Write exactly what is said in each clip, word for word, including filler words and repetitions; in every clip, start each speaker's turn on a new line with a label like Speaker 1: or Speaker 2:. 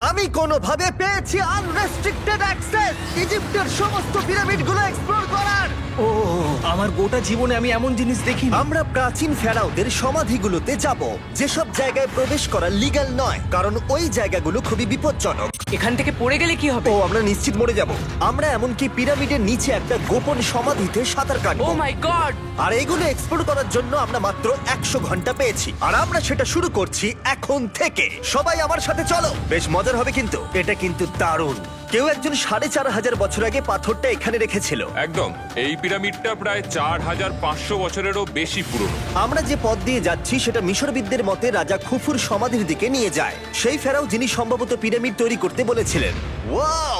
Speaker 1: আমি কোনোভাবে পেয়েছি আনরেস্ট্রিক্টেড অ্যাক্সেস ইজিপ্টের সমস্ত পিরামিডগুলো এক্সপ্লোর করার।
Speaker 2: ও আমার গোটা জীবনে আমি এমন জিনিস দেখিনি।
Speaker 1: আমরা প্রাচীন ফেরাওদের সমাধিগুলোতে যাব, যেসব জায়গায় প্রবেশ করা লিগ্যাল নয়, কারণ ওই জায়গাগুলো খুবই বিপজ্জনক।
Speaker 3: এখান থেকে পড়ে গেলে কি হবে?
Speaker 1: ও আমরা নিশ্চিত মরে যাব। আমরা এমনকি পিরামিডের নিচে একটা গোপন সমাধিতে সাঁতার
Speaker 3: ও
Speaker 1: কাটবো।
Speaker 3: মাই গড!
Speaker 1: আর এগুলো এক্সপ্লোর করার জন্য আমরা মাত্র একশো ঘন্টা পেয়েছি, আর আমরা সেটা শুরু করছি এখন থেকে। সবাই আমার সাথে চলো, বেশ মজার হবে কিন্তু। এটা কিন্তু দারুণ। কেউ একজন সাড়ে চার হাজার বছর আগে পাথরটা এখানে রেখেছিল।
Speaker 4: একদম, এই পিরামিডটা প্রায় চার হাজার পাঁচশো বছরেরও বেশি পুরনো।
Speaker 1: আমরা যে পথ দিয়ে যাচ্ছি সেটা মিশরবিদদের মতে রাজা খুফুর সমাধির দিকে নিয়ে যায়, সেই ফেরাও যিনি সম্ভবত পিরামিড তৈরি করতে বলেছিলেন। ওয়াও!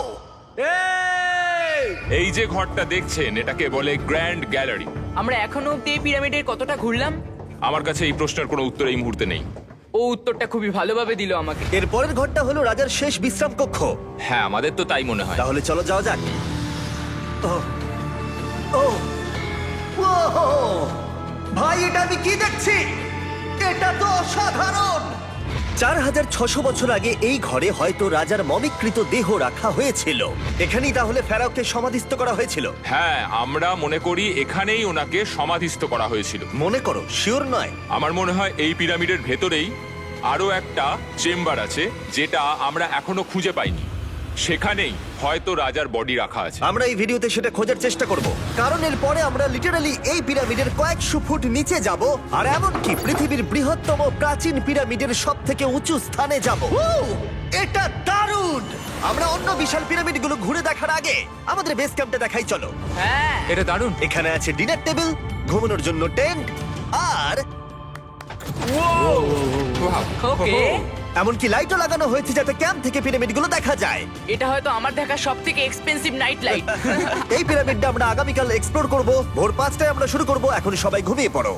Speaker 4: এই যে ঘরটা দেখছেন, এটাকে বলে গ্র্যান্ড গ্যালারি।
Speaker 3: আমরা এখনো অব্দি এই পিরামিডের কতটা ঘুরলাম?
Speaker 4: আমার কাছে এই প্রশ্নের কোনো উত্তর এই মুহূর্তে নেই।
Speaker 3: ও উত্তরটা খুবই ভালোভাবে দিল আমাকে।
Speaker 1: এর পরের ঘরটা হলো রাজার শেষ বিশ্রাম কক্ষ।
Speaker 4: হ্যাঁ, আমাদের তো তাই মনে হয়।
Speaker 1: তাহলে চলো যাওয়া যাক। ও ও ওহো! ভাই, এটা আমি কি দেখছি? এটা তো অসাধারণ। চার হাজার ছশো বছর আগে এই ঘরে হয়তো রাজার মমিকৃত দেহ রাখা হয়েছিল। এখানেই তাহলে ফেরাওকে সমাধিস্থ করা হয়েছিল।
Speaker 4: হ্যাঁ, আমরা মনে করি এখানেই ওনাকে সমাধিস্থ করা হয়েছিল।
Speaker 1: মনে করো, শিওর নয়।
Speaker 4: আমার মনে হয় এই পিরামিডের ভেতরেই আরো একটা চেম্বার আছে, যেটা আমরা এখনো খুঁজে পাইনি। সেখানেই হয়তো রাজার বডি রাখা আছে।
Speaker 1: আমরা এই ভিডিওতে সেটা খোঁজার চেষ্টা করব, কারণ এর পরে আমরা লিটারালি এই পিরামিডের কয়েকশো ফুট নিচে যাব, আর এমনকি পৃথিবীর বৃহত্তম প্রাচীন পিরামিডের সব থেকে উঁচু স্থানে যাব। এটা দারুণ! আমরা অন্য বিশাল পিরামিডগুলো ঘুরে দেখার আগে আমাদের বেস ক্যাম্পটা দেখাই চলো।
Speaker 3: হ্যাঁ,
Speaker 4: এটা দারুণ।
Speaker 1: এখানে আছে ডিনার টেবিল, ঘুমানোর জন্য টেন্ট, আর
Speaker 3: ওকে।
Speaker 1: এমনকি লাইটও লাগানো হয়েছে যাতে ক্যাম্প থেকে পিরামিডগুলো দেখা যায়।
Speaker 3: এটা হয়তো আমার দেখা সব থেকে এক্সপেন্সিভ নাইট লাইট।
Speaker 1: এই পিরামিডটা আমরা আগামীকাল এক্সপ্লোর করব। ভোর পাঁচটায় আমরা শুরু করব। এখন সবাই ঘুমিয়ে পড়ো।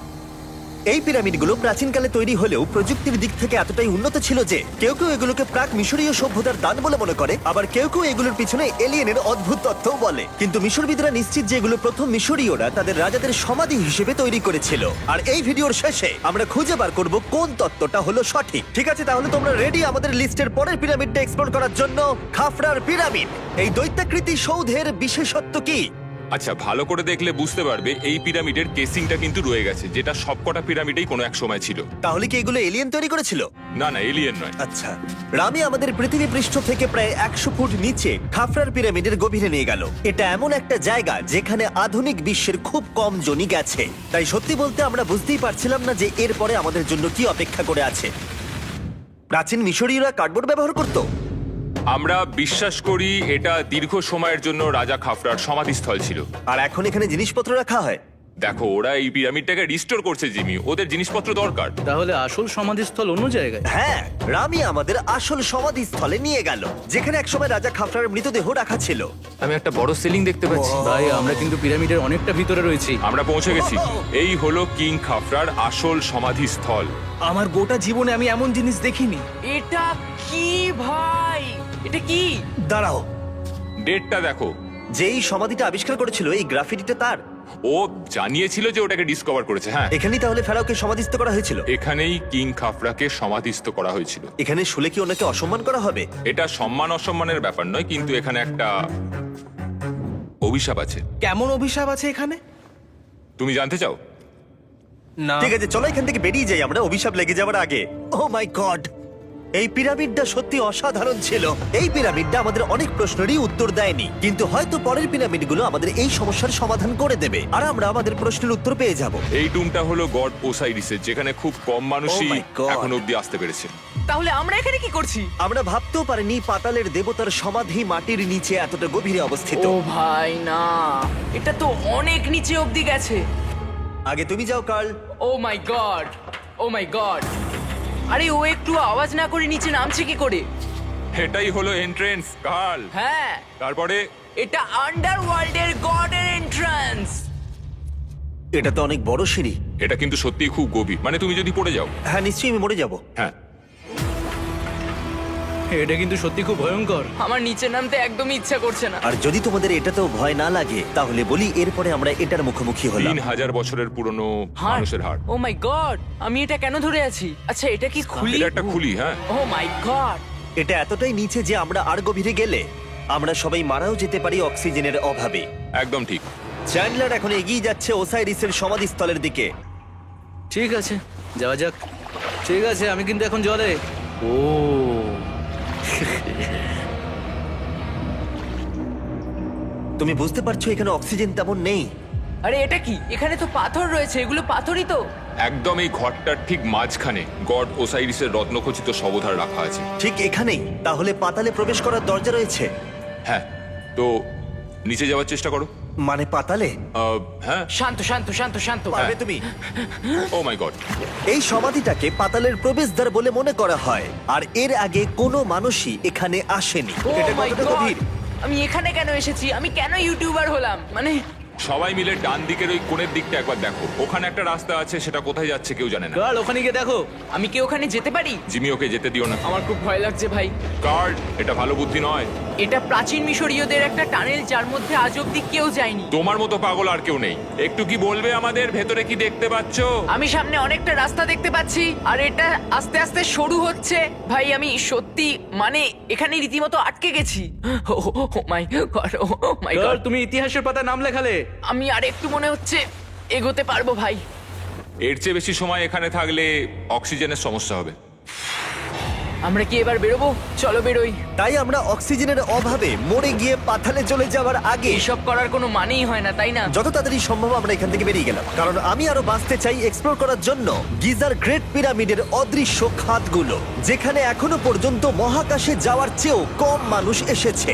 Speaker 1: এই পিরামিডগুলো প্রাচীনকালে তৈরি হলেও প্রযুক্তির দিক থেকে এতটাই উন্নত ছিল যে কেউ কেউ এগুলোকে প্রাক মিশরীয় সভ্যতার দান বলে মনে করে, আবার কেউ কেউ এগুলোর পিছনে এলিয়েনের অদ্ভুত তথ্যও বলে। কিন্তু মিশরবিদরা নিশ্চিত যে এগুলো প্রথম মিশরীয়রা তাদের রাজাদের সমাধি হিসেবে তৈরি করেছিল। আর এই ভিডিওর শেষে আমরা খুঁজে বার করব কোন তত্ত্বটা হলো সঠিক। ঠিক আছে, তাহলে তোমরা রেডি আমাদের লিস্টের পরের পিরামিডটা এক্সপ্লোর করার জন্য? খাফরার পিরামিড। এই দৈত্যাকৃতি সৌধের বিশেষত্ব কি?
Speaker 4: আচ্ছা, ভালো করে দেখলে বুঝতে পারবে এই পিরামিডের কেসিংটা কিন্তু রয়ে গেছে, যেটা সবকটা পিরামিডেই কোনো এক সময় ছিল।
Speaker 1: তাহলে কি এগুলো এলিয়েন তৈরি করেছিল?
Speaker 4: না না, এলিয়েন নয়।
Speaker 1: আচ্ছা, রামি আমাদের পৃথিবী পৃষ্ঠ থেকে প্রায় একশো ফুট নিচে খাফরার পিরামিডের গভীরে নিয়ে গেল। এটা এমন একটা জায়গা যেখানে আধুনিক বিশ্বের খুব কম জনই গেছে, তাই সত্যি বলতে আমরা বুঝতেই পারছিলাম না যে এরপরে আমাদের জন্য কি অপেক্ষা করে আছে। প্রাচীন মিশরীয়রা কার্ডবোর্ড ব্যবহার করত।
Speaker 4: আমরা বিশ্বাস করি এটা দীর্ঘ সময়ের জন্য রাজা খাফরার সমাধিস্থল ছিল।
Speaker 1: আর এখন এখানে জিনিসপত্র রাখা হয়।
Speaker 4: দেখো, ওরা এই পিরামিডটাকে রিস্টোর করছে জিমি, ওদের জিনিসপত্র দরকার।
Speaker 2: তাহলে আসল সমাধিস্থল অন্য জায়গায়?
Speaker 1: হ্যাঁ, রামি আমাদের আসল সমাধিস্থলে নিয়ে গেল, যেখানে একসময় রাজা খাফরার মৃতদেহ রাখা ছিল।
Speaker 5: আমি একটা বড় সিলিং দেখতে পাচ্ছি।
Speaker 2: ভাই, আমরা কিন্তু পিরামিডের অনেকটা ভিতরে রয়েছি।
Speaker 4: আমরা পৌঁছে গেছি। এই হলো কিং খাফরার আসল সমাধিস্থল।
Speaker 2: আমার গোটা জীবনে আমি এমন জিনিস দেখিনি।
Speaker 3: এটা কি ভাই? এটা কি?
Speaker 1: দাঁড়াও,
Speaker 4: ডেটটা দেখো।
Speaker 1: যেই সমাধিটা আবিষ্কার করেছিল এই গ্রাফিটিটা তার।
Speaker 4: ও জানিয়েছিল যে ওটাকে ডিসকভার করেছে। হ্যাঁ,
Speaker 1: এখানেই তাহলে ফেরাওকে সমাধিস্থ করা হয়েছিল।
Speaker 4: এখানেই কিং খাফরাকে সমাধিস্থ করা হয়েছিল।
Speaker 1: এখানে শুলে কি ওনাকে অসম্মান করা হবে?
Speaker 4: এটা সম্মান অসম্মানের ব্যাপার নয়, কিন্তু এখানে একটা অভিশাপ আছে।
Speaker 2: কেমন অভিশাপ আছে এখানে?
Speaker 4: তুমি জানতে চাও?
Speaker 2: না।
Speaker 1: ঠিক আছে, চলো এখান থেকে বেরিয়ে যাই আমরা অভিশাপ লেগে যাওয়ার আগে। ও মাই গড, এই পিরামিডটা সত্যি অসাধারণ ছিল। এই পিরামিডটা আমাদের অনেক প্রশ্নেরই উত্তর দেয়নি, কিন্তু হয়তো পরের পিরামিডগুলো আমাদের এই সমস্যার সমাধান করে দেবে, আর আমরা আমাদের প্রশ্নের উত্তর পেয়ে যাব।
Speaker 4: এই টুমটা হলো গড ওসাইরিসের, যেখানে খুব কম মানুষই
Speaker 1: Oh my God!
Speaker 4: এখন অব্দি আসতে পেরেছে।
Speaker 3: তাহলে আমরা এখানে কি করছি?
Speaker 1: আমরা ভাবতেও পারিনি পাতালের দেবতার সমাধি মাটির নিচে এতটা গভীরে অবস্থিত।
Speaker 3: ও ভাই না, এটা তো অনেক নিচে অব্দি গেছে।
Speaker 1: আগে তুমি যাও Carl.
Speaker 3: Oh my god, oh my god! আরে ও একটু আওয়াজ না করে নিচে নামছে কি করে?
Speaker 4: এটাই হলো এন্ট্রেন্স, কার্ল।
Speaker 3: হ্যাঁ,
Speaker 4: তারপরে
Speaker 3: এটা আন্ডারওয়ার্ল্ডের গডের এন্ট্রান্স।
Speaker 1: এটা তো অনেক বড় সিঁড়ি।
Speaker 4: এটা কিন্তু সত্যিই খুব গভীর, মানে তুমি যদি পড়ে যাও।
Speaker 1: হ্যাঁ, নিশ্চয়ই আমি মরে যাব।
Speaker 4: হ্যাঁ,
Speaker 2: এটা কিন্তু সত্যি খুব ভয়ঙ্কর।
Speaker 3: আমার নিচে নামতে একদমই ইচ্ছা করছে না।
Speaker 1: আর যদি তোমাদের এটাতেও ভয় না লাগে তাহলে বলি এরপরে আমরা এটার মুখোমুখি হলাম।
Speaker 4: তিন হাজার বছরের পুরনো
Speaker 3: হার্ট,
Speaker 4: মানুষের হাড়।
Speaker 3: Oh my god! আমি এটা কেন ধরে আছি? আচ্ছা, এটা কি খুলি?
Speaker 4: এটা একটা খুলি। হ্যাঁ,
Speaker 3: ও মাই গড!
Speaker 1: এটা এতটাই নিচে যে আমরা আর গভীরে গেলে আমরা সবাই মারাও যেতে পারি অক্সিজেনের অভাবে।
Speaker 4: একদম ঠিক।
Speaker 1: চ্যান্ডলার এখন এগিয়ে যাচ্ছে ওসাইরিসের সমাধিস্থলের দিকে।
Speaker 2: ঠিক আছে, যাওয়া যাক। ঠিক আছে, আমি কিন্তু এখন জলে। ও
Speaker 1: তুমি বুঝতে পারছো এখানে অক্সিজেন তেমন নেই।
Speaker 3: আরে এটা কি? এখানে তো পাথর রয়েছে, এগুলো পাথরই তো।
Speaker 4: একদম এই ঘরটার ঠিক মাঝখানে গড ওসাইরিসের রত্নখচিত শবধার রাখা আছে।
Speaker 1: ঠিক এখানেই? তাহলে পাতালে প্রবেশ করার দরজা রয়েছে?
Speaker 4: হ্যাঁ, তো নিচে যাওয়ার চেষ্টা করো।
Speaker 1: মানে পাতালে?
Speaker 4: আহ, হ্যাঁ।
Speaker 3: শান্ত শান্ত শান্ত শান্ত।
Speaker 1: পারবে তুমি?
Speaker 4: Oh my god.
Speaker 1: এই সমাধিটাকে পাতালের প্রবেশদ্বার বলে মনে করা হয়, আর এর আগে কোনো মানুষই এখানে আসেনি।
Speaker 3: Oh
Speaker 1: এটা
Speaker 3: my
Speaker 1: কতটা
Speaker 3: God!
Speaker 1: গভীর?
Speaker 3: আমি এখানে কেন এসেছি? আমি কেন ইউটিউবার হলাম? মানে
Speaker 4: সবাই মিলে ডান দিকের ওই কোণের দিকটা একবার দেখো। ওখানে একটা রাস্তা আছে, সেটা কোথায় যাচ্ছে কেউ জানে না।
Speaker 2: কাল ওখানে গিয়ে দেখো।
Speaker 3: আমি কি ওখানে যেতে পারি?
Speaker 4: জিমি, ওকে যেতে দিও না।
Speaker 3: আমার খুব ভয় লাগছে ভাই।
Speaker 4: কার্ড, এটা ভালো বুদ্ধি নয়।
Speaker 3: এটা প্রাচীন মিশরীয়দের একটা টানেল যার মধ্যে আজ অব্দি কেউ যায়নি।
Speaker 4: তোমার মতো পাগল আর কেউ নেই। একটু কি বলবে আমাদের ভেতরে কি দেখতে পাচ্ছো?
Speaker 3: আমি সামনে অনেকটা রাস্তা দেখতে পাচ্ছি, আর এটা আস্তে আস্তে সরু হচ্ছে। ভাই আমি সত্যি মানে এখানে রীতিমতো আটকে গেছি। ও মাই গড, ও মাই
Speaker 2: কাল
Speaker 3: গড।
Speaker 2: তুমি ইতিহাসের পাতায় নাম লেখালে।
Speaker 3: আমি আর একটু মনে হচ্ছে এগোতে পারবো ভাই।
Speaker 4: এর চেয়ে বেশি সময় এখানে থাকলে অক্সিজেনের সমস্যা হবে।
Speaker 3: আমরা কি এবার বেরোবো? চলো বেরোই।
Speaker 1: তাই আমরা অক্সিজেনের অভাবে মরে গিয়ে পাতালে চলে যাওয়ার আগে
Speaker 3: এইসব করার কোনো মানেই হয় না, তাই না?
Speaker 1: যত তাড়াতাড়ি সম্ভব আমরা এখান থেকে বেরিয়ে গেলাম, কারণ আমি আরো বাঁচতে চাই এক্সপ্লোর করার জন্য গিজার গ্রেট পিরামিডের অদৃশ্য খাতগুলো, যেখানে এখনো পর্যন্ত মহাকাশে যাওয়ার চেয়েও কম মানুষ এসেছে।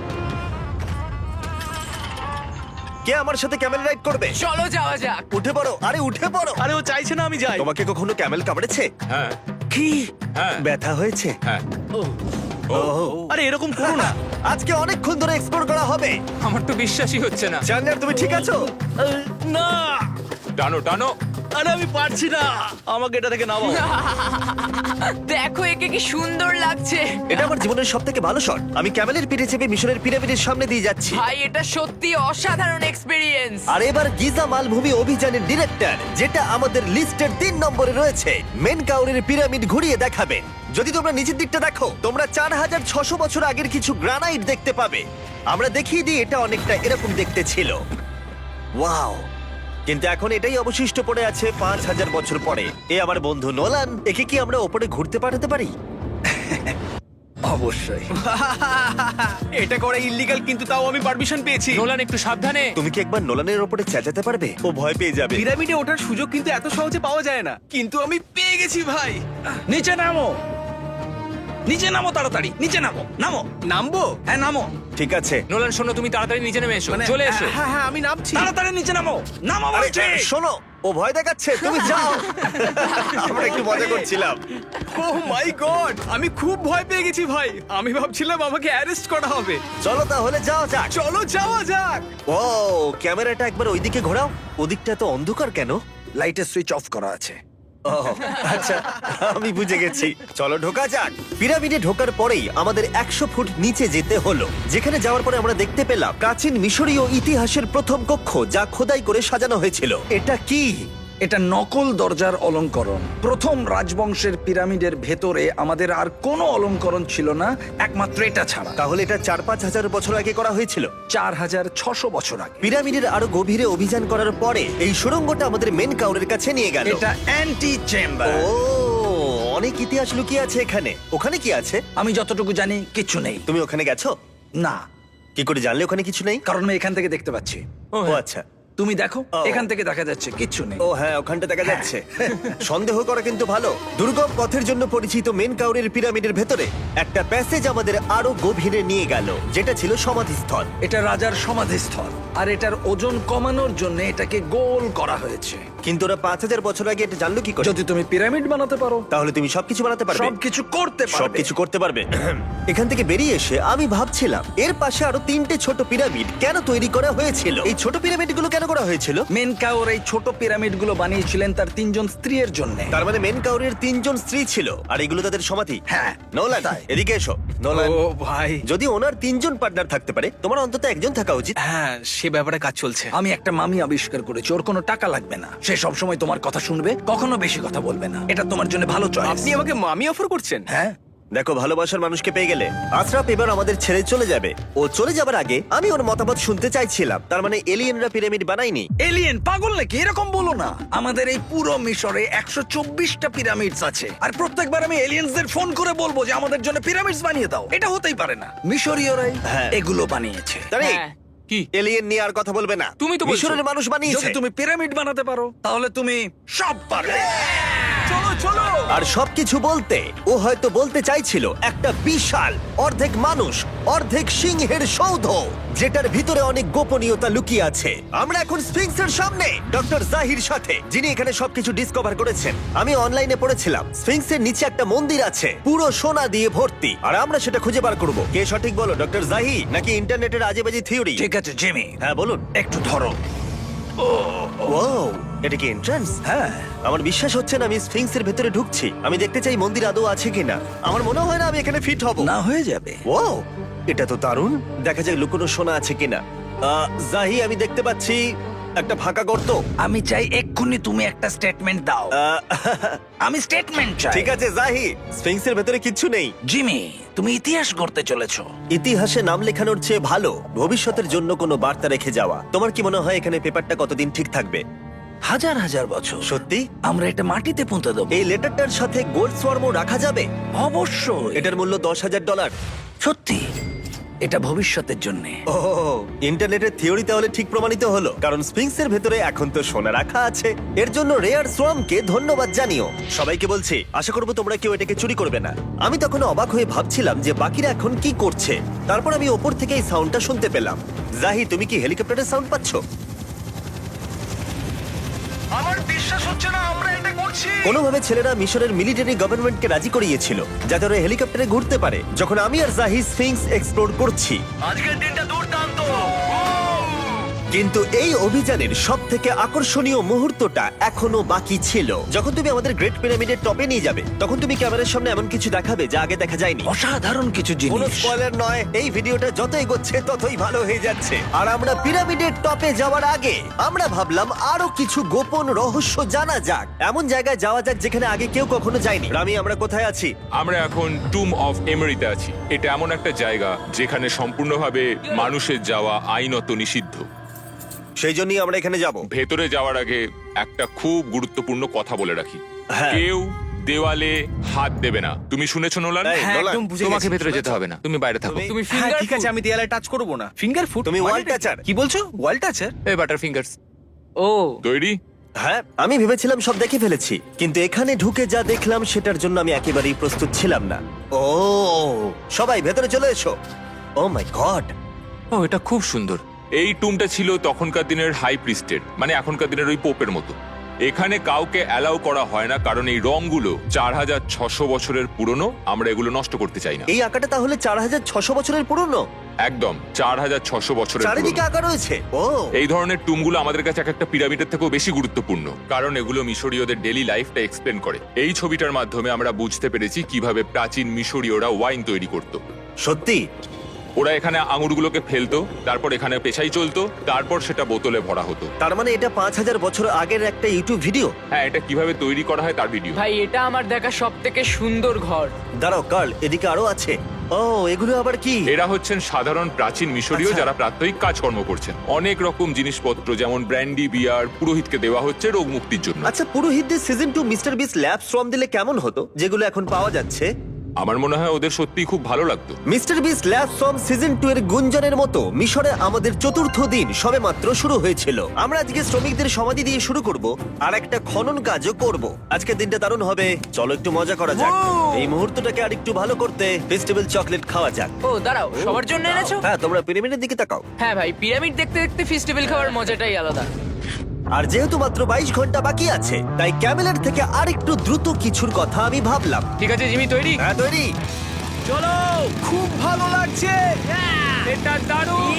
Speaker 1: কে আমার সাথে ক্যামেল রাইড করবে?
Speaker 3: চলো যাওয়া যাক।
Speaker 1: উঠে পড়ো, আরে উঠে পড়ো।
Speaker 2: আরে ও চাইছে না আমি যাই।
Speaker 1: তোমাকে কখনো ক্যামেল কামড়েছে?
Speaker 4: হ্যাঁ,
Speaker 1: কি
Speaker 4: হ্যাঁ,
Speaker 1: ব্যথা হয়েছে?
Speaker 4: হ্যাঁ।
Speaker 2: আরে এরকম করো না।
Speaker 1: আজকে অনেকক্ষণ ধরে এক্সপ্লোর করা হবে।
Speaker 4: আমার তো বিশ্বাসই হচ্ছে না।
Speaker 1: জানলার তুমি ঠিক আছো?
Speaker 2: না,
Speaker 4: টানো টানো।
Speaker 2: আরে আমি পারছি না, আমাকে এটা থেকে নামাও।
Speaker 3: দেখো একে কি সুন্দর লাগছে।
Speaker 1: এটা আমার জীবনের সব থেকে ভালো শট। আমি ক্যামেলের পিঠে চেপে মিশরের পিরামিডের সামনে দিয়ে যাচ্ছি।
Speaker 3: ভাই এটা সত্যি অসাধারণ এক্সপিরিয়েন্স।
Speaker 1: আর এবার গিজা মালভূমি অভিযানের ডিরেক্টর, যেটা আমাদের লিস্টের তিন নম্বরে রয়েছে, মেন কাউরের পিরামিড ঘুরিয়ে দেখাবেন। যদি তোমরা নিচের দিকটা দেখো, তোমরা চার হাজার ছশো বছর আগের কিছু গ্রানাইট দেখতে পাবে। আমরা দেখিয়ে দিই, এটা অনেকটা এরকম দেখতে ছিল। ওয়াও! কিন্তু এখন এটাই অবশিষ্ট পড়ে আছে পাঁচ হাজার বছর পরে। এ আমার বন্ধু নোলান, একে কি আমরা ওপরে ঘুরতে পাঠাতে পারি?
Speaker 6: অবশ্যই।
Speaker 2: এটা করা ইল্লিগাল, কিন্তু তাও আমি পারমিশন পেয়েছি।
Speaker 4: নোলান, একটু সাবধানে।
Speaker 1: তুমি কি একবার নোলানের ওপরে চেঁচাতে পারবে? ও ভয় পেয়ে যাবে।
Speaker 2: পিরামিডে ওঠার সুযোগ কিন্তু এত সহজে পাওয়া যায় না, কিন্তু আমি পেয়ে গেছি ভাই।
Speaker 6: নিচে নামো, নিচে নামো, তাড়াতাড়ি নিচে নামো, নামো।
Speaker 2: নামবো?
Speaker 6: হ্যাঁ নামো,
Speaker 1: ঠিক আছে।
Speaker 4: নোলান শোনো, তুমি তাড়াতাড়ি নিচে নেমে এসো।
Speaker 2: মানে
Speaker 4: চলে এসো।
Speaker 2: হ্যাঁ হ্যাঁ আমি নামছি।
Speaker 6: তাড়াতাড়ি নিচে নামো, নামো
Speaker 1: আরে
Speaker 6: বলছি।
Speaker 1: শোনো, ও ভয় দেখাচ্ছে, তুমি যাও। আমরা একটু মজা করছিলাম।
Speaker 2: ও মাই গড, আমি খুব ভয় পেয়ে গেছি ভাই। আমি ভাবছিলাম আমাকে অ্যারেস্ট করা হবে।
Speaker 1: চলো তাহলে যাও যাক।
Speaker 2: চলো যাওয়া যাক।
Speaker 1: ও ক্যামেরাটা একবার ওইদিকে ঘোরাও। ওদিকটা তো অন্ধকার কেন?
Speaker 6: লাইটের সুইচ অফ করা আছে।
Speaker 1: ও আচ্ছা, আমি বুঝে গেছি। চলো ঢোকা যাক। পিরামিডে ঢোকার পরেই আমাদের একশো ফুট নিচে যেতে হলো, যেখানে যাওয়ার পরে আমরা দেখতে পেলাম প্রাচীন মিশরীয় ইতিহাসের প্রথম কক্ষ, যা খোদাই করে সাজানো হয়েছিল। এটা কি?
Speaker 6: এটা নকল দরজার অলঙ্করণ। প্রথম রাজবংশের পিরামিডের ভেতরে আমাদের আর কোনো অলঙ্করণ ছিল না, একমাত্র এটা ছাড়া।
Speaker 1: তাহলে এটা চার পাঁচ হাজার বছর আগে করা হয়েছিল।
Speaker 6: চার হাজার ছশো বছর আগে।
Speaker 1: পিরামিডের আরো গভীরে অভিযান করার পরে এই সুড়ঙ্গটা আমাদের মেন কাউরের কাছে নিয়ে গেল।
Speaker 6: এটা অ্যান্টি চেম্বার।
Speaker 1: ও অনেক ইতিহাস লুকিয়ে আছে এখানে। ওখানে কি আছে?
Speaker 6: আমি যতটুকু জানি কিচ্ছু নেই।
Speaker 1: তুমি ওখানে গেছো?
Speaker 6: না,
Speaker 1: কি করে জানলে ওখানে কিছু নেই?
Speaker 6: কারণ আমি এখান থেকে দেখতে পাচ্ছি।
Speaker 1: ও আচ্ছা।
Speaker 6: তুমি দেখো,
Speaker 1: ও।
Speaker 6: এখান থেকে দেখা যাচ্ছে কিচ্ছু নেই।
Speaker 1: ও হ্যাঁ, ওখানটা দেখা যাচ্ছে। সন্দেহ করা কিন্তু ভালো। দুর্গম পথের জন্য পরিচিত মেন কাউরের পিরামিডের ভেতরে একটা প্যাসেজ আমাদের আরো গভীরে নিয়ে গেল, যেটা ছিল সমাধিস্থল।
Speaker 6: এটা রাজার সমাধিস্থল, আর এটার ওজন কমানোর জন্য এটাকে গোল করা হয়েছে।
Speaker 1: কিন্তু ওরা পাঁচ হাজার বছর আগে এটা জানলো কি করে?
Speaker 6: যদি তুমি পিরামিড বানাতে পারো,
Speaker 1: তাহলে তুমি সবকিছু বানাতে পারবে।
Speaker 6: সবকিছু করতে পারবে।
Speaker 1: সবকিছু করতে পারবে। এখান থেকে বেরিয়ে এসে আমি ভাবছিলাম, এর পাশে আরো তিনটে ছোট পিরামিড কেন তৈরি করা হয়েছিল? এই ছোট পিরামিড গুলো কেন করা হয়েছিল?
Speaker 6: মেনকাওর এই ছোট পিরামিড গুলো বানিয়েছিলেন তার তিনজন স্ত্রীর জন্য।
Speaker 1: তার মানে মেন কাউরের তিনজন স্ত্রী ছিল, আর এগুলো তাদের সমাধি।
Speaker 6: হ্যাঁ,
Speaker 1: নোলান,
Speaker 6: তাই।
Speaker 1: এদিকে এসো। নোলান,
Speaker 2: ও ভাই,
Speaker 1: যদি ওনার তিনজন পার্টনার থাকতে পারে, তোমার অন্তত একজন থাকা উচিত।
Speaker 2: হ্যাঁ সে ব্যাপারে কাজ চলছে।
Speaker 6: আমি একটা মামি আবিষ্কার করেছি, ওর কোনো টাকা লাগবে না। সে সব সময় তোমার কথা শুনবে, কখনো বেশি কথা বলবে না। এটা তোমার জন্য ভালো চয়েস।
Speaker 2: আপনি আমাকে মামি অফার করছেন?
Speaker 6: হ্যাঁ,
Speaker 1: দেখো, ভালোবাসার মানুষকে পেয়ে গেলে আশরাফ এবার আমাদের ছেড়ে চলে যাবে। ও চলে যাবার আগে আমি ওর মতামত শুনতে চাইছিলাম। তার মানে এলিয়েনরা পিরামিড বানায়নি?
Speaker 6: এলিয়েন পাগল নাকি? এরকম বলো না। আমাদের এই পুরো মিশরে একশো চব্বিশটা পিরামিডস আছে, আর প্রত্যেকবার আমি এলিয়েন্সদের ফোন করে বলবো যে আমাদের জন্য পিরামিডস বানিয়ে দাও। এটা হতেই পারে না। মিশরীয়রাই
Speaker 1: হ্যাঁ।
Speaker 6: এগুলো বানিয়েছে।
Speaker 1: তারে,
Speaker 3: হ্যাঁ।
Speaker 4: কি
Speaker 1: এলিয়েন নিয়ে আর কথা বলবে না।
Speaker 5: তুমি তো বলছো।
Speaker 1: মিশরের মানুষ বানিয়েছে।
Speaker 6: যদি তুমি পিরামিড বানাতে পারো তাহলে তুমি সব পারবে। চলো চলো।
Speaker 1: আর সবকিছু বলতে ও হয়তো বলতে চাইছিল একটা বিশাল অর্ধেক মানুষ অর্ধেক সিংহের সৌধ, যেটার ভিতরে অনেক গোপনীয়তা লুকিয়ে আছে। আমরা এখন স্ফিংসের সামনে ডক্টর জাহির সাথে, যিনি এখানে সবকিছু ডিসকভার করেছেন। আমি অনলাইনে পড়েছিলাম স্ফিংসের নিচে একটা মন্দির আছে পুরো সোনা দিয়ে ভর্তি, আর আমরা সেটা খুঁজে বার করব। কে সঠিক বলো, ডক্টর জাহি নাকি ইন্টারনেটের আজেবাজি থিওরি?
Speaker 6: ঠিক আছে জিমি,
Speaker 1: হ্যাঁ বলুন।
Speaker 6: একটু ধরো।
Speaker 1: ও, এটা কি এন্ট্রান্স?
Speaker 6: হ্যাঁ।
Speaker 1: আমার বিশ্বাস হচ্ছে না আমি স্ফিংসের ভেতরে ঢুকছি। আমি দেখতে চাই মন্দির আদৌ আছে কিনা। আমার মনে হয় না আমি এখানে ফিট হব।
Speaker 6: না হয়ে যাবে।
Speaker 1: ও, এটা তো দারুণ। দেখা যাক লুকোনো সোনা আছে কিনা। আহ, জাহি, আমি দেখতে পাচ্ছি একটা ফাঁকা গর্ত।
Speaker 6: আমি চাই এক্ষুনি তুমি একটা স্টেটমেন্ট দাও।
Speaker 1: আহ,
Speaker 6: আমি স্টেটমেন্ট চাই।
Speaker 1: ঠিক আছে জাহি, স্ফিংসের ভেতরে কিচ্ছু নেই।
Speaker 6: জিমি, তুমি ইতিহাস করতে চলেছো।
Speaker 1: ইতিহাসে নাম লেখানোর চেয়ে ভালো ভবিষ্যতের জন্য কোনো বার্তা রেখে যাওয়া। তোমার কি মনে হয় এখানে পেপারটা কতদিন ঠিক থাকবে?
Speaker 6: হাজার হাজার বছর।
Speaker 1: সত্যি?
Speaker 6: আমরা এটা মাটিতে পুঁতে দেবো।
Speaker 1: এই লেটারটার সাথে গোল্ড সোয়ার্মও রাখা যাবে?
Speaker 6: অবশ্যই।
Speaker 1: এটার মূল্য দশ হাজার ডলার।
Speaker 6: সত্যি, এটা ভবিষ্যতের জন্য।
Speaker 1: ও, ইন্টারনেটের থিওরি তাহলে ঠিক প্রমাণিত হলো, কারণ স্ফিংসের ভেতরে এখন তো সোনা রাখা আছে। এর জন্য রেয়ার সোয়ামকে ধন্যবাদ জানিও। সবাইকে বলছি, আশা করবো তোমরা কেউ এটাকে চুরি করবে না। আমি তখন অবাক হয়ে ভাবছিলাম যে বাকিরা এখন কি করছে। তারপর আমি ওপর থেকে এই সাউন্ডটা শুনতে পেলাম। জাহি, তুমি কি হেলিকপ্টারের সাউন্ড পাচ্ছ?
Speaker 6: আমার বিশ্বাস হচ্ছে না আমরা এটা করছি।
Speaker 1: কোনোভাবে ছেলেরা মিশরের মিলিটারি গভর্নমেন্টকে রাজি করিয়েছিল যাতে ওরা হেলিকপ্টারে ঘুরতে পারে যখন আমি আর জাহি স্ফিংস এক্সপ্লোর করছি।
Speaker 6: আজকের দিনটা দুর্দান্ত।
Speaker 1: কিন্তু এই অভিযানের সব থেকে আকর্ষণীয় মুহূর্তটা এখনো বাকি ছিল। যখন তুমি আমাদের গ্রেট পিরামিডের টপে নিয়ে যাবে তখন তুমি ক্যামেরার সামনে এমন কিছু দেখাবে যা আগে দেখা যায়নি।
Speaker 6: অসাধারণ কিছু
Speaker 1: কোনো
Speaker 6: জিনিস।
Speaker 1: স্পয়লার নয়, এই ভিডিওটা যত এগোচ্ছে ততই ভালো হয়ে যাচ্ছে। আর আমরা পিরামিডের টপে যাওয়ার আগে আমরা ভাবলাম আরো কিছু গোপন রহস্য জানা যাক। এমন জায়গায় যাওয়া যাক যেখানে আগে কেউ কখনো যায়নি। রামি, আমরা কোথায় আছি?
Speaker 4: আমরা এখন টুম অফ এমেরিতে আছি। এটা এমন একটা জায়গা যেখানে সম্পূর্ণভাবে মানুষের যাওয়া আইনত নিষিদ্ধ।
Speaker 1: সেই জন্যই আমরা এখানে যাব।
Speaker 4: ভেতরে যাওয়ার আগে একটা খুব গুরুত্বপূর্ণ কথা বলে রাখি,
Speaker 1: হ্যাঁ।
Speaker 4: কেউ দেওয়ালে হাত দেবে না। তুমি শুনেছো নোলান?
Speaker 1: এই,
Speaker 2: হ্যাঁ,
Speaker 1: নোলান,
Speaker 2: একদম বুঝে
Speaker 5: তোমাকে
Speaker 2: গেছি।
Speaker 5: ভেতরে যেতে হবে না, তুমি বাইরে থাকো।
Speaker 1: তুমি-
Speaker 2: তুমি
Speaker 3: হ্যাঁ,
Speaker 2: ফিঙ্গার
Speaker 3: ঠিক
Speaker 2: ঠিক আছে, আমি দেয়ালে টাচ করব না। Finger food?
Speaker 1: তুমি ওয়াল টাচার।
Speaker 2: কি বলছো? ওয়াল টাচার?
Speaker 5: এই বাটার ফিঙ্গারস।
Speaker 3: ও,
Speaker 4: তৈরি?
Speaker 1: হ্যাঁ, আমি ভেবেছিলাম সব দেখে ফেলেছি, কিন্তু এখানে ঢুকে যা দেখলাম সেটার জন্য আমি একেবারেই প্রস্তুত ছিলাম না। ও, সবাই ভেতরে চলে এসো। ও মাই গড,
Speaker 5: ও, এটা খুব সুন্দর।
Speaker 4: এই টুমটা ছিল তখনকার দিনের হাই প্রিস্টের, মানে এখনকার দিনের ওই পোপের মতো। এখানে কাউকে অ্যালাউ করা হয় না, কারণ এই রংগুলো চার হাজার ছশো বছরের পুরনো। আমরা এগুলো নষ্ট করতে চাই না।
Speaker 1: এই আঁকাটা তাহলে চার হাজার ছশো বছরের পুরনো?
Speaker 4: একদম চার হাজার ছশো বছরের
Speaker 1: চারিদিকে
Speaker 4: পুরনো।
Speaker 1: আঁকা রয়েছে। ও,
Speaker 4: এই ধরনের টুমগুলো আমাদের কাছে এক একটা পিরামিডের থেকেও বেশি গুরুত্বপূর্ণ, কারণ এগুলো মিশরীয়দের ডেইলি লাইফটা এক্সপ্লেন করে। এই ছবিটার মাধ্যমে আমরা বুঝতে পেরেছি কিভাবে প্রাচীন মিশরীয়রা ওয়াইন তৈরি করত।
Speaker 1: সত্যি?
Speaker 4: ওরা এখানে আঙুরগুলোকে ফেলতো, তারপর এখানে পেশাই চলতো, তারপর সেটা বোতলে ভরা হতো।
Speaker 1: তার মানে এটা পাঁচ হাজার বছর আগের একটা ইউটিউব ভিডিও?
Speaker 4: হ্যাঁ, এটা কিভাবে তৈরি করা হয় তার ভিডিও।
Speaker 3: ভাই এটা আমার দেখা সব থেকে সুন্দর ঘর।
Speaker 1: দাঁড়াও কার্ল, এদিকে আরো আছে। ও, এগুলো আবার কি?
Speaker 4: এরা হচ্ছেন সাধারণ প্রাচীন মিশরীয়
Speaker 1: আচ্ছা।
Speaker 4: যারা প্রাত্যহিক কাজকর্ম করছেন। অনেক রকম জিনিসপত্র যেমন ব্র্যান্ডি, বিয়ার পুরোহিতকে দেওয়া হচ্ছে রোগ মুক্তির জন্য।
Speaker 1: আচ্ছা, পুরোহিতদের season two mister Beast lab শ্রম দিলে কেমন হতো, যেগুলো এখন পাওয়া যাচ্ছে?
Speaker 4: আমার মনে হয় ওদের সত্যিই খুব ভালো লাগতো।
Speaker 1: মিস্টার বিস ল্যাব শ্রম সিজন টু এর গুঞ্জনের মতো মিশরে আমাদের চতুর্থ দিন সবেমাত্র শুরু হয়েছিল। আমরা আজকে শ্রমিকদের সমাধি দিয়ে শুরু করব আর একটা খনন কাজও করব। আজকের দিনটা দারুণ হবে, চলো একটু মজা করা যাক। এই মুহূর্তটাকে আর একটু ভালো করতে ফেস্টিভ্যাল চকলেট খাওয়া যাক।
Speaker 3: ও দাঁড়াও, সবার জন্য এনেছো?
Speaker 1: হ্যাঁ, তোমরা পিরামিডের দিকে তাকাও।
Speaker 3: হ্যাঁ ভাই, পিরামিড দেখতে দেখতে ফেস্টিভ্যাল খাওয়ার মজাটাই আলাদা।
Speaker 1: আর যেহেতু মাত্র বাইশ ঘন্টা বাকি আছে তাই ক্যামেলের থেকে আর একটু দ্রুত কিছুর কথা আমি ভাবলাম।
Speaker 5: ঠিক আছে জিমি, তৈরি?
Speaker 1: হ্যাঁ, তৈরি।
Speaker 2: চলো, খুব ভালো লাগছে।
Speaker 3: এটা দারুণ।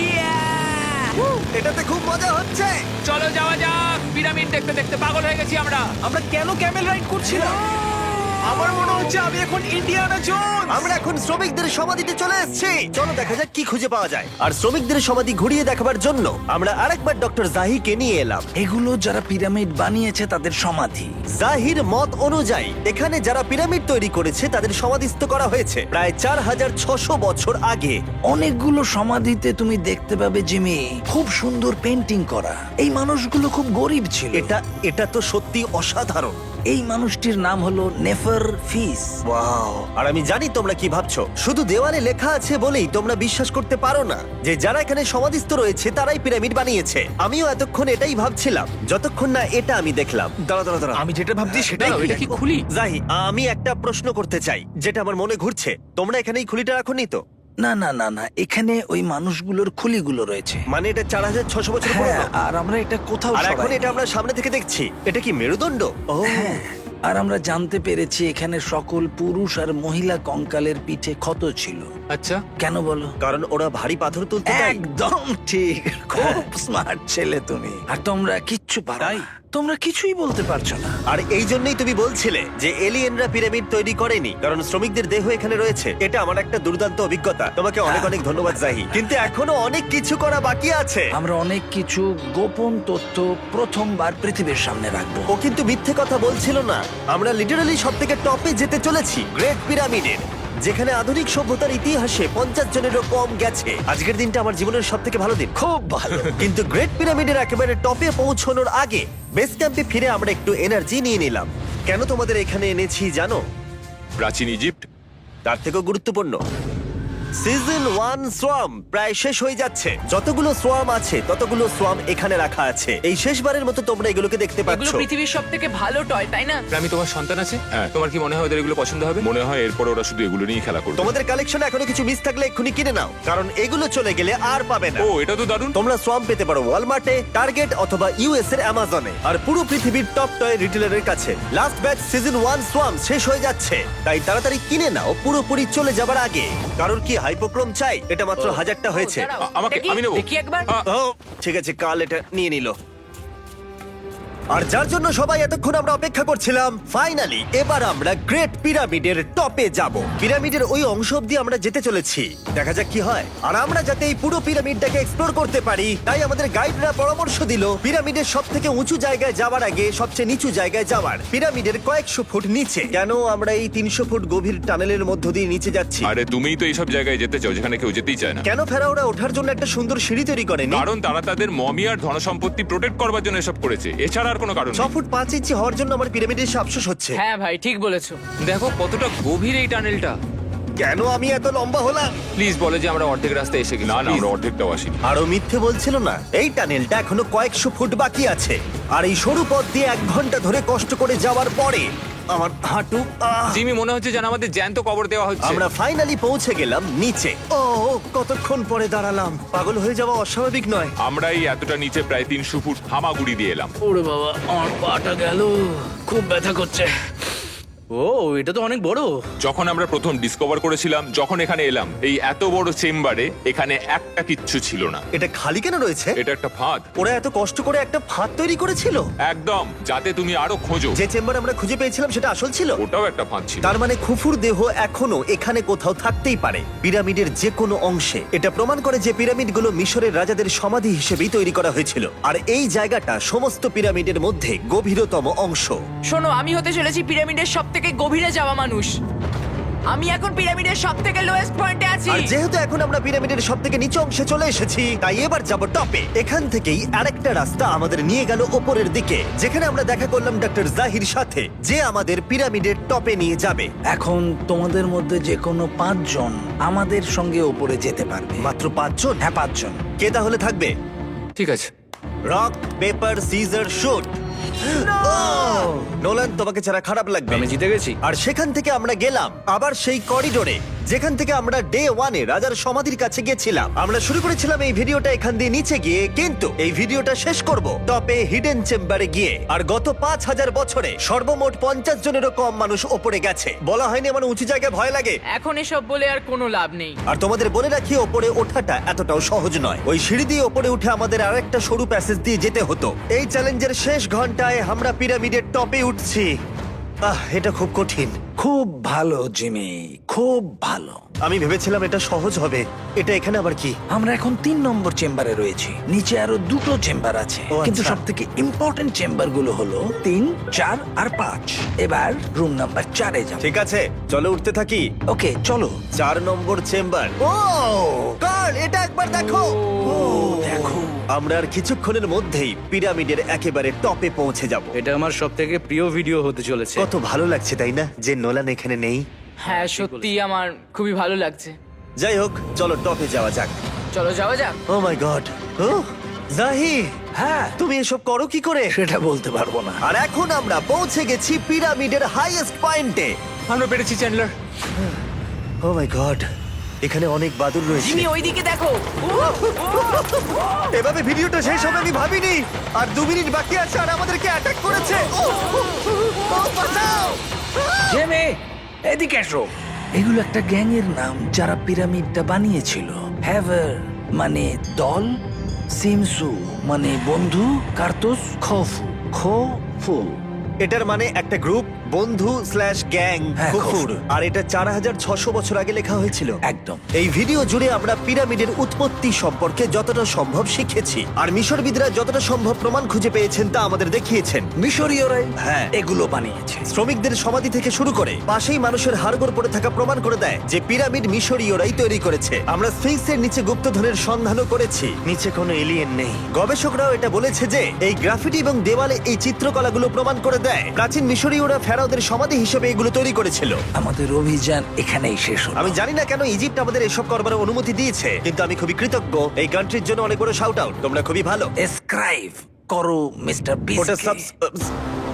Speaker 1: এটাতে খুব মজা হচ্ছে।
Speaker 3: চলো যাওয়া যাক। পিরামিড দেখতে দেখতে পাগল হয়ে গেছি আমরা।
Speaker 2: আমরা কেন ক্যামেল রাইড করছিলাম? আমার মনে হচ্ছে আমি এখন ইন্ডিয়ানা জোনস।
Speaker 1: আমরা এখন শ্রমিকদের সমাধিতে চলে এসেছি। চলো দেখা যাক কি খুঁজে পাওয়া যায়। আর শ্রমিকদের সমাধি ঘুরিয়ে দেখাবার জন্য আমরা আরেকবার ডক্টর জাহিকে নিয়ে এলাম।
Speaker 6: এগুলো যারা পিরামিড বানিয়েছে তাদের সমাধি।
Speaker 1: জাহির মত অনুযায়ী এখানে যারা পিরামিড তৈরি করেছে তাদের সমাধিস্থ করা হয়েছে প্রায় চার হাজার ছশো বছর আগে।
Speaker 6: অনেকগুলো সমাধিতে তুমি দেখতে পাবে জিমি খুব সুন্দর পেন্টিং করা। এই মানুষগুলো খুব গরিব ছিল।
Speaker 1: এটা এটা তো সত্যি অসাধারণ।
Speaker 6: এই মানুষটির নাম হলো নেফার ফিস।
Speaker 1: ওয়াও! আর আমি জানি তোমরা কি ভাবছো। শুধু দেওয়ালে লেখা আছে বলেই তোমরা বিশ্বাস করতে পারো না যে যারা এখানে সমাধিস্থ রয়েছে তারাই পিরামিড বানিয়েছে। আমিও এতক্ষণ এটাই ভাবছিলাম যতক্ষণ না এটা আমি দেখলাম। দাঁড়া দাঁড়া দাঁড়া,
Speaker 2: আমি যেটা ভাবছি সেটাই
Speaker 5: দাঁড়াও, এটা কি খুলি?
Speaker 1: জাহি, আমি একটা প্রশ্ন করতে চাই যেটা আমার মনে ঘুরছে। তোমরা এখানে এই খুলিটা রাখোনি তো?
Speaker 6: না না না না, এখানে ওই মানুষগুলোর খুলিগুলো রয়েছে।
Speaker 1: মানে এটা চার হাজার ছশো বছর
Speaker 6: হ্যাঁ,
Speaker 1: পুরনো।
Speaker 6: আর আমরা এটা কোথাও
Speaker 1: আর এখন
Speaker 6: সরাইনি।
Speaker 1: এটা আমরা সামনে থেকে দেখছি। এটা কি মেরুদণ্ড? ও
Speaker 6: হ্যাঁ, আর আমরা জানতে পেরেছি এখানে সকল পুরুষ আর মহিলা কঙ্কালের পিঠে ক্ষত ছিল।
Speaker 5: আচ্ছা,
Speaker 6: কেন বলো?
Speaker 1: কারণ ওরা ভারী পাথর তুলতে তাই।
Speaker 6: একদম ঠিক, খুব স্মার্ট ছেলে তুমি। আর তোমরা কিচ্ছু পারো না। তোমরা কিছুই বলতে পারছো না।
Speaker 1: আর এই জন্যই তুমি বলছিলে যে এলিয়েনরা পিরামিড তৈরি করেনি কারণ শ্রমিকদের দেহ এখানে রয়েছে। এটা আমার একটা দুর্দান্ত অভিজ্ঞতা। তোমাকে অনেক অনেক ধন্যবাদ জাহি। কিন্তু এখনো অনেক কিছু করা বাকি আছে।
Speaker 6: আমরা অনেক কিছু গোপন তথ্য প্রথমবার পৃথিবীর সামনে রাখবো।
Speaker 1: ও কিন্তু মিথ্যে কথা বলছিল না। আমরা লিটারালি সব থেকে টপে যেতে চলেছি, গ্রেট পিরামিডের, যেখানে আধুনিক সভ্যতার ইতিহাসে পঞ্চাশ জনেরও কম গেছে। আজকের দিনটা আমার জীবনের সব থেকে ভালো দিন।
Speaker 6: খুব ভালো।
Speaker 1: কিন্তু গ্রেট পিরামিডের একেবারে টপে পৌঁছানোর আগে বেস ক্যাম্পে ফিরে আমরা একটু এনার্জি নিয়ে নিলাম। কেন তোমাদের এখানে এনেছি জানো?
Speaker 4: প্রাচীন ইজিপ্ট।
Speaker 1: তার থেকেও গুরুত্বপূর্ণ, সিজন ওয়ান সোয়াম প্রায় শেষ হয়ে যাচ্ছে। যতগুলো সোয়াম আছে ততগুলো সোয়াম এখানে রাখা আছে। এই শেষবারের মতো তোমরা এগুলোকে দেখতে
Speaker 3: এগুলো
Speaker 1: পাচ্ছ।
Speaker 3: পৃথিবীর সব থেকে ভালো টয়, তাই না?
Speaker 5: আমি তোমার সন্তান আছে,
Speaker 4: হ্যাঁ।
Speaker 5: তোমার কি মনে হয় ওদের এগুলো পছন্দ হবে?
Speaker 4: মনে হয় এরপর ওরা শুধু এগুলো নিয়ে খেলা করবে।
Speaker 1: তোমাদের কালেকশনে এখনো কিছু মিস থাকলে এক্ষুনি কিনে নাও, কারণ এগুলো চলে গেলে আর পাবে না।
Speaker 4: ও, এটা তো দারুণ।
Speaker 1: তোমরা সোয়াম পেতে পারো ওয়ালমার্টে, টার্গেট অথবা ইউএস এর অ্যামাজনে, আর পুরো পৃথিবীর টপ টয় রিটেলারের কাছে। লাস্ট ব্যাচ সিজন ওয়ান সোয়াম শেষ হয়ে যাচ্ছে, তাই তাড়াতাড়ি কিনে নাও পুরোপুরি চলে যাবার আগে। কারণ কি হাইপোক্রোম চাই? এটা মাত্র হাজারটা হয়েছে।
Speaker 3: ও, দাঁড়াও,
Speaker 4: আ- আমাকে-
Speaker 3: দেখি,
Speaker 4: আমি নেবো।
Speaker 3: দেখি একবার।
Speaker 4: আ,
Speaker 1: ও ঠিক আছে, কাল এটা নিয়ে নিল। আর যার জন্য সবাই এতক্ষণ আমরা অপেক্ষা করছিলাম, ফাইনালি এবার আমরা গ্রেট পিরামিডের টপে যাব। পিরামিডের ওই অংশ অব্দি আমরা যেতে চলেছি, দেখা যাক কি হয়। আর আমরা যাতে এই পুরো পিরামিডটাকে এক্সপ্লোর করতে পারি, তাই আমাদের গাইডরা পরামর্শ দিল পিরামিডের সব থেকে উঁচু জায়গায় যাওয়ার আগে সবচেয়ে নিচু জায়গায় যাওয়ার, পিরামিডের কয়েকশো ফুট নিচে। কেন আমরা এই তিনশো ফুট গভীর টানেলের মধ্য দিয়ে নিচে যাচ্ছি?
Speaker 4: আরে তুমিই তো এইসব জায়গায় যেতে চাও যেখানে কেউ যেতেই চায় না।
Speaker 1: কেন ফেরাওরা ওঠার জন্য একটা সুন্দর সিঁড়ি তৈরি করেনি?
Speaker 4: কারণ তারা তাদের মমি আর ধনসম্পত্তি প্রোটেক্ট করবার জন্য এসব করেছে, এছাড়া আর কোনো কারণ
Speaker 1: ছ
Speaker 4: নেই।
Speaker 1: ফুট পাঁচ ইঞ্চি হওয়ার জন্য আমার পিরামিডের এসে আফসোস হচ্ছে।
Speaker 3: হ্যাঁ ভাই, ঠিক বলেছো।
Speaker 5: দেখো কতটা গভীর এই টানেলটা।
Speaker 1: কেন আমি এত লম্বা হলাম?
Speaker 5: প্লিজ বলে যে আমরা অর্ধেক রাস্তায় এসে গেছি।
Speaker 4: না না,
Speaker 5: Please।
Speaker 4: আমরা অর্ধেকটাও আসিনি।
Speaker 1: আরো মিথ্যে বলছিল না। এই টানেলটা এখনো কয়েকশো ফুট বাকি আছে, আর এই সরু পথ দিয়ে এক ঘন্টা ধরে কষ্ট করে যাওয়ার পরে আমার হাঁটু আহ!
Speaker 5: জিমি, মনে হচ্ছে যেন আমাদের জ্যান্ত কবর দেওয়া হচ্ছে।
Speaker 1: আমরা ফাইনালি পৌঁছে গেলাম নিচে। ও কতক্ষণ পরে দাঁড়ালাম, পাগল হয়ে যাওয়া অস্বাভাবিক নয়।
Speaker 4: আমরা এই এতটা নিচে প্রায় তিনশো ফুট হামাগুড়ি দিয়ে এলাম।
Speaker 7: ওরে বাবা, আমার পাটা গেল, খুব ব্যথা করছে। ও, এটা তো অনেক বড়।
Speaker 4: যখন আমরা প্রথম ডিসকভার করেছিলাম, যখন এখানে এলাম, এই এত বড় চেম্বারে এখানে একটা কিচ্ছু ছিল না।
Speaker 1: এটা খালি কেন রয়েছে?
Speaker 4: এটা একটা ফাঁদ।
Speaker 1: ওরা এত কষ্ট করে একটা ফাঁদ তৈরি করেছিল
Speaker 4: একদম, যাতে তুমি আরো খোঁজো।
Speaker 1: যে চেম্বার আমরা খুঁজে পেয়েছিলাম সেটা আসল ছিল।
Speaker 4: ওটাও একটা ফাঁদ ছিল।
Speaker 1: তার মানে খুফুর দেহ এখনো এখানে কোথাও থাকতেই পারে, পিরামিডের যে কোনো অংশে। এটা প্রমাণ করে যে পিরামিডগুলো মিশরের রাজাদের সমাধি হিসেবেই তৈরি করা হয়েছিল, আর এই জায়গাটা সমস্ত পিরামিডের মধ্যে গভীরতম অংশ।
Speaker 3: শোনো, আমি হতে চলেছি পিরামিডের সব থেকে গভীরে যাওয়া মানুষ। আমি এখন পিরামিডের সব থেকে লোয়েস্ট পয়েন্টে আছি।
Speaker 1: আর যেহেতু এখন আমরা পিরামিডের সব থেকে নিচু অংশে চলে এসেছি, তাই এবার যাব টপে। এখান থেকেই আরেকটা রাস্তা আমাদের নিয়ে গেল ওপরের দিকে, যেখানে আমরা দেখা করলাম ডক্টর জাহির সাথে, যে আমাদের পিরামিডের টপে নিয়ে যাবে।
Speaker 6: এখন তোমাদের মধ্যে যে কোনো পাঁচজন আমাদের সঙ্গে ওপরে যেতে পারবে।
Speaker 1: মাত্র পাঁচজন?
Speaker 6: হ্যাঁ, পাঁচজন।
Speaker 1: কে তাহলে থাকবে?
Speaker 5: ঠিক আছে।
Speaker 1: Rock paper scissor shoot. Nolan, তোমাকে ছাড়া খারাপ লাগবে।
Speaker 7: আমি জিতে গেছি।
Speaker 1: আর সেখান থেকে আমরা গেলাম আবার সেই করিডোরে যেখান থেকে আমরা ডে ওয়ানে রাজার সমাধির কাছে গেছিলাম। আমরা শুরু করেছিলাম এই ভিডিওটা এখান দিয়ে নিচে গিয়ে, কিন্তু এই ভিডিওটা শেষ করব টপে হিডেন চেম্বারে গিয়ে। আর গত পাঁচ হাজার বছরে সর্বমোট পঞ্চাশ জনেরও কম মানুষ ওপরে গেছে। বলা হয়নি আমার উঁচু জায়গায় ভয় লাগে?
Speaker 3: এখন এসব বলে আর কোনো লাভ নেই।
Speaker 1: আর তোমাদের বলে রাখি, ওপরে ওঠাটা এতটাও সহজ নয়। ওই সিঁড়ি দিয়ে ওপরে উঠে আমাদের আরেকটা সরু প্যাসেজ দিয়ে যেতে হতো। এই চ্যালেঞ্জের শেষ ঘন্টায় আমরা পিরামিডের টপে উঠছি। আহ, এটা খুব কঠিন,
Speaker 6: খুব ভালো জিমি, খুব ভালো।
Speaker 1: আমি ভেবেছিলাম এটা সহজ হবে। এটা এখানে আবার কি?
Speaker 6: আমরা এখন তিন নম্বর চেম্বারে রয়েছি। নিচে আরো দুটো চেম্বার আছে,
Speaker 1: ও,
Speaker 6: কিন্তু
Speaker 1: আচ্ছা।
Speaker 6: সব থেকে ইম্পর্টেন্ট চেম্বার গুলো হলো তিন, চার আর পাঁচ। এবার রুম নাম্বার চারে যাব।
Speaker 1: ঠিক আছে, চলো উঠতে থাকি।
Speaker 6: ওকে চলো।
Speaker 1: চার নম্বর চেম্বার। ও কার্ল, এটা একবার দেখো।
Speaker 6: ও দেখো,
Speaker 1: আমরা আর কিছুক্ষণের মধ্যেই পিরামিডের একেবারে টপে পৌঁছে যাব।
Speaker 7: এটা আমার সব থেকে প্রিয় ভিডিও হতে চলেছে।
Speaker 1: কত ভালো লাগছে তাই না, যে নোলান এখানে নেই।
Speaker 3: হ্যাঁ সত্যি আমার খুবই ভালো লাগছে।
Speaker 1: যাই হোক, চলো টপে যাওয়া যাক।
Speaker 3: চলো যাওয়া যাক।
Speaker 1: ও মাই গড, ও জাহি,
Speaker 6: হ্যাঁ
Speaker 1: তুমি এসব করো কি করে?
Speaker 6: সেটা বলতে পারবো না।
Speaker 1: আর এখন আমরা পৌঁছে গেছি পিরামিডের হাইয়েস্ট পয়েন্টে।
Speaker 5: আমরা পেরেছি চ্যান্ডলার।
Speaker 1: ও মাই গড, এখানে অনেক বাদুড় রয়েছে।
Speaker 3: জিমি ওইদিকে দেখো।
Speaker 1: এভাবে ভিডিওটা শেষ হবে আমি ভাবিনি। আর দু মিনিট বাকি আছে আর আমাদেরকে অ্যাটাক করেছে। ও, ও, ও, বাঁচাও!
Speaker 6: জেমে, এদিকে এসো। এগুলো একটা গ্যাং এর নাম যারা পিরামিডটা বানিয়েছিল। হ্যাভার মানে দল, সিমসু মানে বন্ধু, কার্তুস খফু খফু।
Speaker 1: এটার মানে একটা গ্রুপ, বন্ধু স্ল্যাশ গ্যাং,
Speaker 6: হ্যাঁ,
Speaker 1: কুকুর।
Speaker 6: কুকুর।
Speaker 1: আর এটা চার হাজার ছশো বছর আগে লেখা হয়েছিল।
Speaker 6: একদম।
Speaker 1: এই ভিডিও জুড়ে আমরা পিরামিডের উৎপত্তি সম্পর্কে যতটা সম্ভব শিখেছি, আর মিশরবিদরা যতটা সম্ভব প্রমাণ খুঁজে পেয়েছেন তা আমাদের দেখিয়েছেন।
Speaker 6: মিশরীয়রাই
Speaker 1: হ্যাঁ।
Speaker 6: এগুলো বানিয়েছে।
Speaker 1: শ্রমিকদের সমাধি থেকে শুরু করে পাশেই মানুষের হাড়গোড় পড়ে থাকা প্রমাণ করে দেয় যে পিরামিড মিশরীয়রাই তৈরি করেছে। আমরা স্ফিংসের নিচে গুপ্তধনের সন্ধানও করেছি, নিচে কোনো এলিয়েন নেই। গবেষকরাও এটা বলেছে যে এই গ্রাফিটি এবং দেওয়ালে এই চিত্রকলাগুলো প্রমাণ করে দেয় প্রাচীন মিশরীয়রা ফেরাওদের সমাধি হিসেবে এগুলো তৈরি করেছিল।
Speaker 6: আমাদের অভিযান এখানেই শেষ হলো।
Speaker 1: আমি জানি না কেন ইজিপ্ট আমাদের এসব করবার অনুমতি দিয়েছে, কিন্তু আমি খুবই কৃতজ্ঞ। এই কান্ট্রির জন্য অনেক বড় শাউট আউট, তোমরা খুবই ভালো।
Speaker 6: এসক্রাইব করো মিস্টার
Speaker 1: ওটা
Speaker 6: বিস্ট।
Speaker 1: সাবস